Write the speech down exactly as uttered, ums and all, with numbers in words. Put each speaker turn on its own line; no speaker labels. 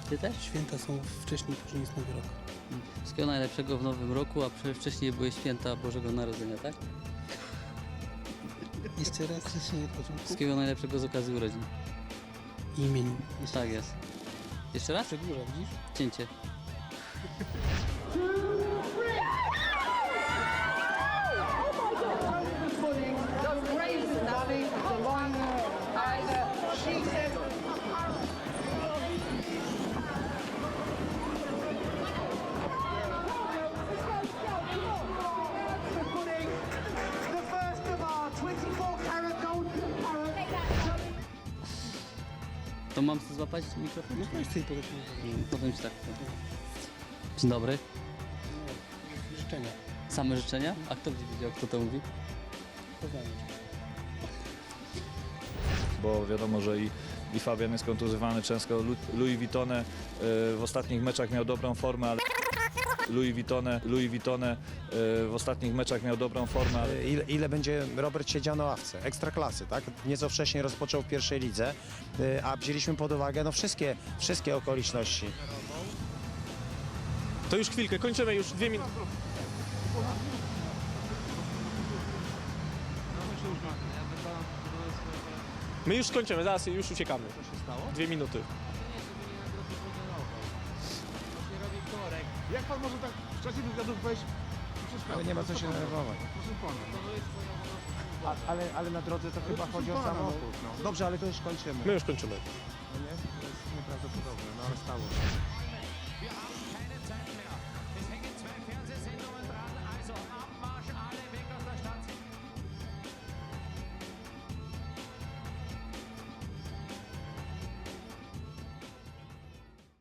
Ty też?
Święta są wcześniej, później jest Nowy Rok.
Wszystkiego najlepszego w nowym roku, a prze- wcześniej były święta Bożego Narodzenia, tak?
Jeszcze raz życzenie od początku.
Wszystkiego najlepszego z okazji urodzin.
I imienin.
Tak jest. Jeszcze raz?
Przedłuża, widzisz?
Cięcie.
Just raise Natalie, the line, and uh, she said, putting the first of our twenty-four karat gold parrot.
To mam sobie złapać mikrofon?
No weź sobie podać
Potem ci tak. Dzień dobry.
życzenia.
Same życzenia? A kto będzie wiedział, kto to mówi?
Poznanie.
Bo wiadomo, że i, i Fabian jest kontuzjowany często. Lu- Louis Vuittone y, w ostatnich meczach miał dobrą formę, ale Louis Vuittone, Louis Vuittone y, w ostatnich meczach miał dobrą formę, ale
Ile, ile będzie Robert siedział na ławce? Ekstraklasy, tak? Nieco wcześniej rozpoczął w pierwszej lidze, y, a wzięliśmy pod uwagę no, wszystkie, wszystkie okoliczności.
To już chwilkę, kończymy już dwie minuty. My już kończymy, zaraz już uciekamy. Co się stało? Dwie minuty.
Jak pan może tak w czasie wywiadów wejść i przeszkadzać?
Ale nie ma co się denerwować.
Proszę pana.
A, ale, ale na drodze to chyba chodzi o
pana,
samochód. No. Dobrze, ale to już kończymy.
My już kończymy.
No nie? To jest nieprawdopodobne, no ale stało się.